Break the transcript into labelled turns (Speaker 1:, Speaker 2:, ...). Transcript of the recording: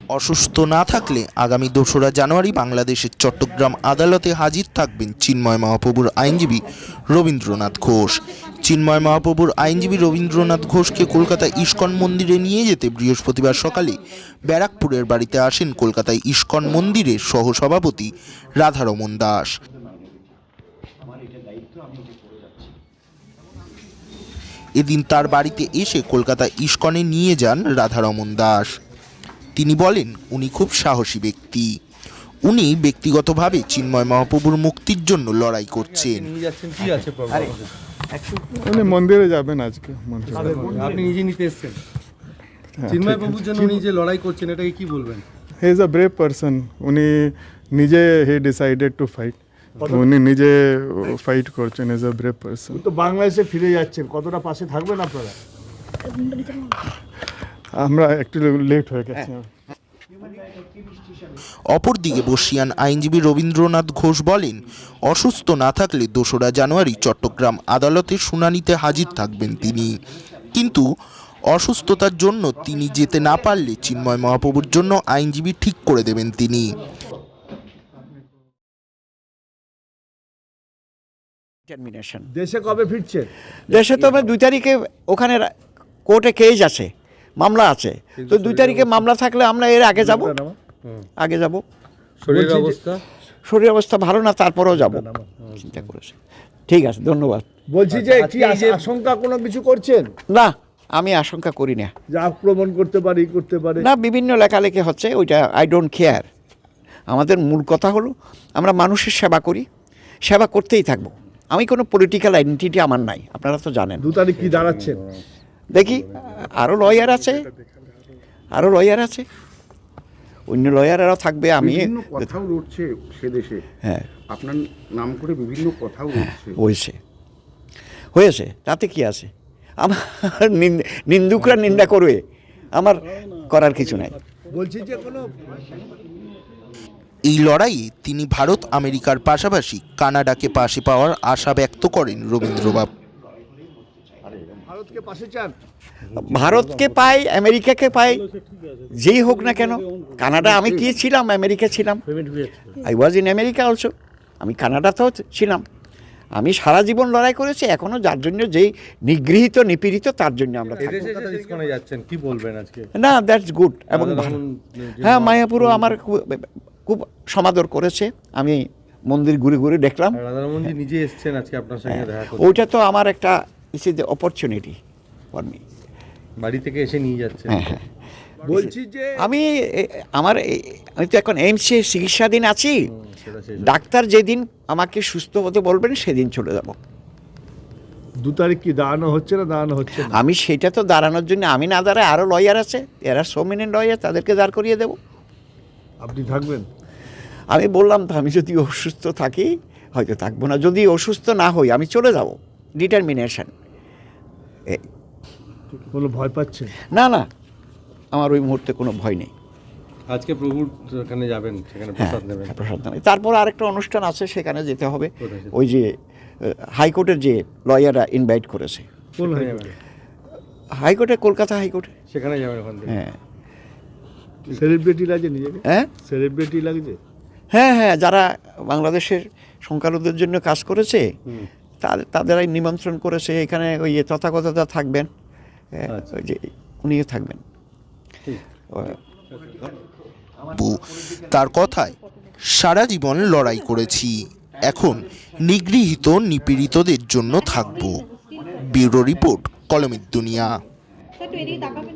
Speaker 1: অসুস্থ না থাকলে আগামী ২রা জানুয়ারি বাংলাদেশের চট্টগ্রাম আদালতে হাজির থাকবেন চিন্ময় মহাপ্রভুর আইনজীবী রবীন্দ্রনাথ ঘোষ। চিন্ময় মহাপ্রভুর আইনজীবী রবীন্দ্রনাথ ঘোষকে কলকাতা ইস্কন মন্দিরে নিয়ে যেতে বৃহস্পতিবার সকালে ব্যারাকপুরের বাড়িতে আসেন কলকাতায় ইস্কন মন্দিরের সহসভাপতি রাধারমণ দাস। এদিন তার বাড়িতে এসে কলকাতা ইস্কনে নিয়ে যান রাধারমণ দাস। তিনি বলেন উনি খুব সাহসী ব্যক্তি। উনি ব্যক্তিগতভাবে চিন্ময় মহাপ্রভুর মুক্তির জন্য লড়াই করছেন।
Speaker 2: উনি মন্দিরে যাবেন আজকে।
Speaker 3: আপনি নিজে নিতে এসেছেন চিন্ময় প্রভুর জন্য, উনি যে লড়াই করছেন এটাকে কি বলবেন?
Speaker 2: He is a brave person. উনি নিজে হি ডিসাইডেড টু ফাইট। উনি নিজে ফাইট করছেন। Is a brave person.
Speaker 4: তো বাংলাদেশে ফিরে যাচ্ছেন, কতটা পাশে থাকবেন আপনারা?
Speaker 2: আমরা একটু লেট হয়ে গেছে।
Speaker 1: অপরদিকে বর্ষীয়ান আইনজীবী রবীন্দ্রনাথ ঘোষ বলেন, অসুস্থ না থাকলে ২রা জানুয়ারি চট্টগ্রাম আদালতে শুনানিতে হাজির থাকবেন তিনি, কিন্তু অসুস্থতার জন্য তিনি যেতে না পারলে চিন্ময় মহাপ্রভুর জন্য আইনজীবী ঠিক করে দেবেন তিনি।
Speaker 4: দেশে কবে ফিরছেন?
Speaker 5: দেশে তো আমরা 2 তারিখে ওখানে কোর্টে কেস আছে, মামলা আছে। তো 2 তারিখে মামলা থাকলে আমরা এর আগে যাব। শরীর অবস্থা ভালো না, তারপরেও যাব চিন্তা করেছে। ঠিক আছে, ধন্যবাদ।
Speaker 4: বলছি যে কি আশঙ্কা কোনো কিছু করছেন?
Speaker 5: না, আমি আশঙ্কা করি না
Speaker 4: যে আক্রমণ করতে পারে
Speaker 5: না। বিভিন্ন লেখালেখি হচ্ছে, ওইটা আই ডোন্ট কেয়ার। আমাদের মূল কথা হলো আমরা মানুষের সেবা করি, সেবা করতেই থাকবো। আমি কোনো পলিটিক্যাল আইডেন্টিটি আমার নাই, আপনারা তো জানেন।
Speaker 4: 2 তারিখ কি দাঁড়াচ্ছেন?
Speaker 5: দেখি, আরও লয়ার আছে, অন্য লয়ারেরাও থাকবে। আমি
Speaker 6: কথাও উঠছে সে দেশে,
Speaker 5: হ্যাঁ,
Speaker 6: আপনার নাম করে বিভিন্ন কথাও উঠছে।
Speaker 5: হয়েছে, তাতে কি আছে? আমার নিন্দুকরা নিন্দা করবে, আমার করার কিছু নাই।
Speaker 4: বলছি যে কোনো
Speaker 1: এই লড়াইয়ে তিনি ভারত আমেরিকার পাশাপাশি কানাডাকে পাশে পাওয়ার আশা ব্যক্ত করেন রবীন্দ্রবাবু।
Speaker 4: ভারতকে পাশে চান?
Speaker 5: ভারতকে পাই, আমেরিকাকে পাই, যেই হোক না কেন। কানাডা আমি কি ছিলাম, আমেরিকা ছিলাম। I was in America also. আমি কানাডাতেও ছিলাম। আমি সারা জীবন লড়াই করেছি। এখনও যার জন্য যেই নিগৃহীত নিপীড়িত, তার জন্য আমরা
Speaker 3: যাচ্ছেন, কি বলবেন আজকে?
Speaker 5: না, দ্যাটস গুড এবং হ্যাঁ, মায়াপুরও আমার খুব সমাদর করেছে। আমি মন্দির ঘুরে ঘুরে দেখলাম।
Speaker 3: রাধারমণজি নিজে এসেছেন আজকে আপনার সঙ্গে দেখা করতে।
Speaker 5: ওইটা তো আমার একটা is is opportunity for me.
Speaker 3: বাড়ি থেকে এসে নিয়ে যাচ্ছেন।
Speaker 5: হ্যাঁ।
Speaker 4: বলছি যে
Speaker 5: আমি তো এখন এইমসে চিকিৎসাধীন আছি। ডাক্তার যেদিন আমাকে সুস্থ হতে বলবেন সেদিন চলে যাব।
Speaker 4: 2 তারিখ কি দাঁড়ানো হচ্ছে না?
Speaker 5: আমি সেটা তো দাঁড়ানোর জন্য আমি না দাঁড়ায় আরও লয়ার আছে, এরা সোমিনেন্ট লয়ার, তাদেরকে দাঁড় করিয়ে দেব।
Speaker 4: আপনি থাকবেন?
Speaker 5: আমি বললাম তো, আমি যদি অসুস্থ থাকি হয়তো থাকবো না, যদি অসুস্থ না হই আমি চলে যাব। ডিটারমিনেশন।
Speaker 4: কোনো ভয় পাচ্ছেন?
Speaker 5: না, আমার ওই মুহূর্তে কোনো ভয় নেই।
Speaker 3: আজকে প্রভুর ওখানে যাবেন, সেখানে প্রসাদ নেবেন।
Speaker 5: প্রসাদ নেবেন। তারপর আরেকটা অনুষ্ঠান আছে, সেখানে যেতে হবে। ওই যে হাইকোর্টের যে লয়াররা ইনভাইট করেছে।
Speaker 4: কোন
Speaker 5: হাইকোর্টে, কলকাতা হাইকোর্টে,
Speaker 3: সেখানে যাবেন ওখান থেকে।
Speaker 5: হ্যাঁ।
Speaker 4: সেলিব্রিটি লাগে নিজেকে?
Speaker 5: হ্যাঁ,
Speaker 4: সেলিব্রিটি লাগছে।
Speaker 5: হ্যাঁ, যারা বাংলাদেশের সংখ্যালঘুদের জন্য কাজ করেছে তাদেরাই নিমন্ত্রণ করেছে। এখানে ওই তথাগতরা থাকবেন, ওই যে উনিও থাকবেন।
Speaker 1: তার কথায়, সারা জীবন লড়াই করেছি, এখন নিগৃহীত নিপীড়িতদের জন্য থাকবো। ব্যুরো রিপোর্ট, কলমের দুনিয়া।